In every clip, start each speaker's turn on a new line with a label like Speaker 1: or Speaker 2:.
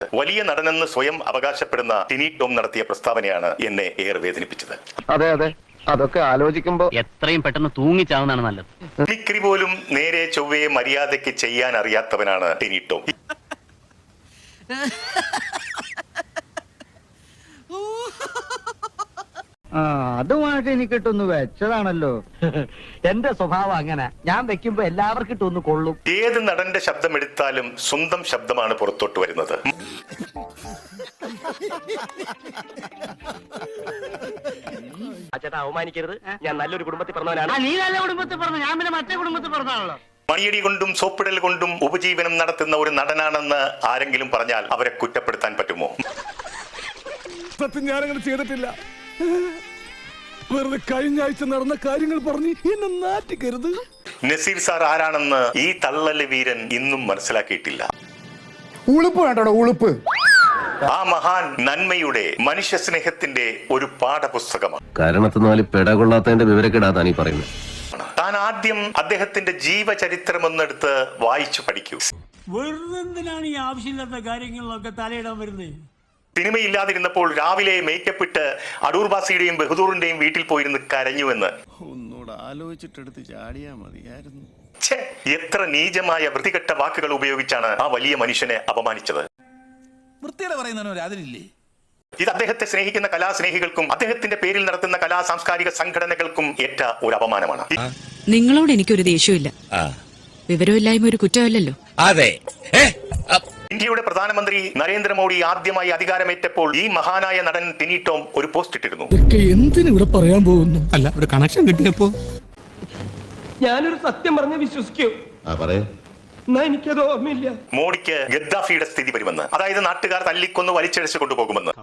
Speaker 1: വലിയ നടനെന്ന് സ്വയം അവകാശപ്പെടുന്ന ടിനി ടോം നടത്തിയ പ്രസ്താവനയാണ് എന്നെ ഏറെ വേദനിപ്പിച്ചത്.
Speaker 2: അതെ അതെ, അതൊക്കെ ആലോചിക്കുമ്പോ
Speaker 3: എത്രയും പെട്ടെന്ന് തൂങ്ങിച്ചാവുന്നതാണ് നല്ലത്.
Speaker 1: മിമിക്രി പോലും നേരെ ചൊവ്വയെ മര്യാദയ്ക്ക് ചെയ്യാൻ അറിയാത്തവനാണ് ടിനി ടോം.
Speaker 4: അതുമായിട്ട് എനിക്കിട്ടൊന്ന് വെച്ചതാണല്ലോ. എന്റെ സ്വഭാവം അങ്ങനെ, ഞാൻ വെക്കുമ്പോ എല്ലാവർക്കും ഇട്ടൊന്ന് കൊള്ളും.
Speaker 1: ഏത് നടന്റെ ശബ്ദം എടുത്താലും സ്വന്തം ശബ്ദമാണ് പുറത്തോട്ട് വരുന്നത്.
Speaker 2: ചേട്ടാ അവമാനിക്കരുത്, ഞാൻ നല്ലൊരു കുടുംബത്തിൽ പറഞ്ഞവനാണ്.
Speaker 4: നീ നല്ല കുടുംബത്തിൽ പറഞ്ഞു, ഞാൻ പിന്നെ മറ്റേ കുടുംബത്തിൽ പറഞ്ഞാണല്ലോ.
Speaker 1: മണിയടി കൊണ്ടും സോപ്പിടൽ കൊണ്ടും ഉപജീവനം നടത്തുന്ന ഒരു നടനാണെന്ന് ആരെങ്കിലും പറഞ്ഞാൽ അവരെ കുറ്റപ്പെടുത്താൻ പറ്റുമോ?
Speaker 5: സത്യം ഞാനങ്ങനെ ചെയ്തിട്ടില്ല. വെറുതെ കഴിഞ്ഞ ആഴ്ച നടന്ന കാര്യങ്ങൾ പറഞ്ഞ് എന്നെ നാറ്റിക്കരുത്.
Speaker 1: നസീർ സാർ ആരാണെന്ന് ഈ തള്ളല് വീരൻ ഇന്നും മനസ്സിലാക്കിയിട്ടില്ല.
Speaker 5: ഉളുപ്പ് വേണ്ടോ, ഉളുപ്പ്.
Speaker 1: ആ മഹാൻ നന്മയുടെ മനുഷ്യ സ്നേഹത്തിന്റെ ഒരു പാഠപുസ്തകമാണ്.
Speaker 6: കാരണത്തിനാല് പെടകൊള്ളാത്തതിന്റെ വിവരക്കെടാതാണ് ഈ പറയുന്നത്.
Speaker 1: താൻ ആദ്യം അദ്ദേഹത്തിന്റെ ജീവചരിത്രം ഒന്നെടുത്ത് വായിച്ചു പഠിക്കൂ.
Speaker 7: വെറുതെന്തിനാണ് ഈ ആവശ്യമില്ലാത്ത കാര്യങ്ങളിലൊക്കെ തലയിടാൻ വരുന്നത്?
Speaker 1: സിനിമയില്ലാതിരുന്നപ്പോൾ രാവിലെ മേക്കപ്പ് ഇട്ട് അടൂർ ബാസിയുടെയും ബഹദൂറിന്റെയും വീട്ടിൽ പോയിരുന്ന് കരഞ്ഞുവെന്ന്.
Speaker 5: ഒന്നുകൂടെ ആലോചിച്ചിട്ടെടുത്ത് ചാടിയാ മതിയായിരുന്നു.
Speaker 1: എത്ര നീചമായ വൃത്തികെട്ട വാക്കുകൾ ഉപയോഗിച്ചാണ് ആ വലിയ മനുഷ്യനെ അപമാനിച്ചത്.
Speaker 8: വൃത്തിയുടെ പറയുന്നതിന് അതിലില്ലേ?
Speaker 1: ഇത് അദ്ദേഹത്തെ സ്നേഹിക്കുന്ന കലാസ്നേഹികൾക്കും അദ്ദേഹത്തിന്റെ പേരിൽ നടത്തുന്ന കലാ സാംസ്കാരിക സംഘടനകൾക്കും ഏറ്റ ഒരു അപമാനമാണ്.
Speaker 9: നിങ്ങളോട് എനിക്കൊരു ദേഷ്യമില്ല. വിവരമില്ലായ്മ ഒരു കുറ്റമല്ലല്ലോ.
Speaker 8: അതെ.
Speaker 1: ഇന്ത്യയുടെ പ്രധാനമന്ത്രി നരേന്ദ്രമോദി ആദ്യമായി അധികാരമേറ്റപ്പോൾ ഈ മഹാനായ നടൻ ടിനി ടോം ഒരു പോസ്റ്റ് ഇട്ടിരുന്നു.
Speaker 5: എന്തിനിവിടെ പറയാൻ പോകുന്നു? അല്ല, ഒരു കണക്ഷൻ കിട്ടിയപ്പോ
Speaker 2: ഞാനൊരു സത്യം പറഞ്ഞ് വിശ്വസിക്കൂ. എനിക്കത് ഓർമ്മയില്ല.
Speaker 1: മോഡിക്ക് ഗദ്ദാഫിയുടെ സ്ഥിതി വരുമെന്ന്, അതായത് നാട്ടുകാർ തല്ലിക്കൊന്ന് വലിച്ചഴിച്ചു കൊണ്ടുപോകുമെന്ന്.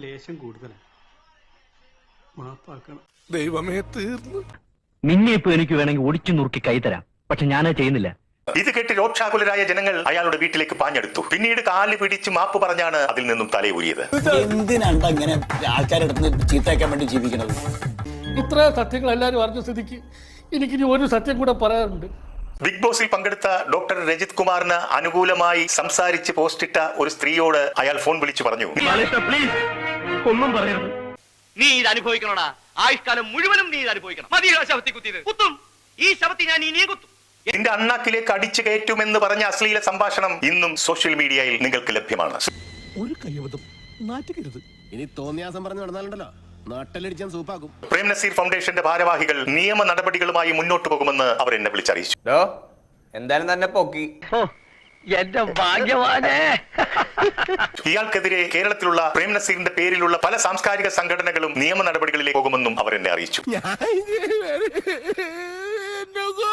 Speaker 5: ദൈവമേ, തീർന്നു.
Speaker 4: നിന്നെ ഇപ്പൊ എനിക്ക് വേണമെങ്കിൽ ഒടിച്ചു നുറുക്കി കൈ തരാം, പക്ഷെ ഞാനത് ചെയ്യുന്നില്ല.
Speaker 1: ഇത് കേട്ട് രോക്ഷാകുലരായ ജനങ്ങൾ അയാളുടെ വീട്ടിലേക്ക് പാഞ്ഞെടുത്തു. പിന്നീട് കാല് പിടിച്ച് മാപ്പ് പറഞ്ഞാണ് അതിൽ നിന്നും തലയൂരിയത്.
Speaker 8: എന്തിനാണ് ഇങ്ങനെ ആൾക്കാരെടുത്ത് ചീത്തയാക്കാൻ വേണ്ടി ജീവിക്കുന്നത്?
Speaker 5: ഇത്ര സത്യങ്ങൾ എല്ലാവരും അറിഞ്ഞ സ്ഥിതിക്ക് എനിക്കിനി ഒരു സത്യം കൂടെ പറയാറുണ്ട്.
Speaker 1: ബിഗ് ബോസിൽ പങ്കെടുത്ത ഡോക്ടർ രജിത് കുമാറിന് അനുകൂലമായി സംസാരിച്ച് പോസ്റ്റിട്ട ഒരു സ്ത്രീയോട് അയാൾ ഫോൺ വിളിച്ചു പറഞ്ഞു,
Speaker 4: ഒന്നും പറയരുത്.
Speaker 3: നീ ഇത് അനുഭവിക്കണോടാ, ആയുഷ്കാലം മുഴുവനും നീ ഇത് അനുഭവിക്കണം. മതിയോ ശവത്തി കുത്തിയത്? കുത്തും, ഈ ശവത്തി ഞാൻ ഇനിയും കുത്തും.
Speaker 1: എന്റെ അണ്ണാക്കിലേക്ക് അടിച്ചു കയറ്റുമെന്ന് പറഞ്ഞ അശ്ലീല സംഭാഷണം ഇന്നും സോഷ്യൽ മീഡിയയിൽ നിങ്ങൾക്ക് ലഭ്യമാണ്.
Speaker 5: ഒരു കയ്യബദ്ധം, നാറ്റുകരുത്.
Speaker 6: ഇനി തോന്നിയാസം പറഞ്ഞു നടന്നാലുണ്ടല്ലോ, നാട്ടിലടിച്ചാൻ സൂപ്പാക്കും.
Speaker 1: പ്രേം നസീർ ഫൗണ്ടേഷന്റെ ഭാരവാഹികൾ നിയമ നടപടികളുമായി മുന്നോട്ട് പോകുമെന്ന് അവർ എന്നെ വിളിച്ചറിയിച്ചു.
Speaker 2: എന്തായാലും തന്നെ പൊക്കി.
Speaker 4: എന്റെ ഭാഗ്യവാനേ.
Speaker 1: ഇയാൾക്കെതിരെ കേരളത്തിലുള്ള പ്രേം നസീറിന്റെ പേരിലുള്ള പല സാംസ്കാരിക സംഘടനകളും നിയമ നടപടികളിലേക്ക് പോകുമെന്നും അവർ എന്നെ അറിയിച്ചു.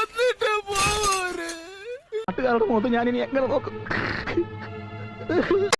Speaker 4: നാട്ടുകാരുടെ മുഖത്ത് ഞാനിനി എങ്ങനെ നോക്കും?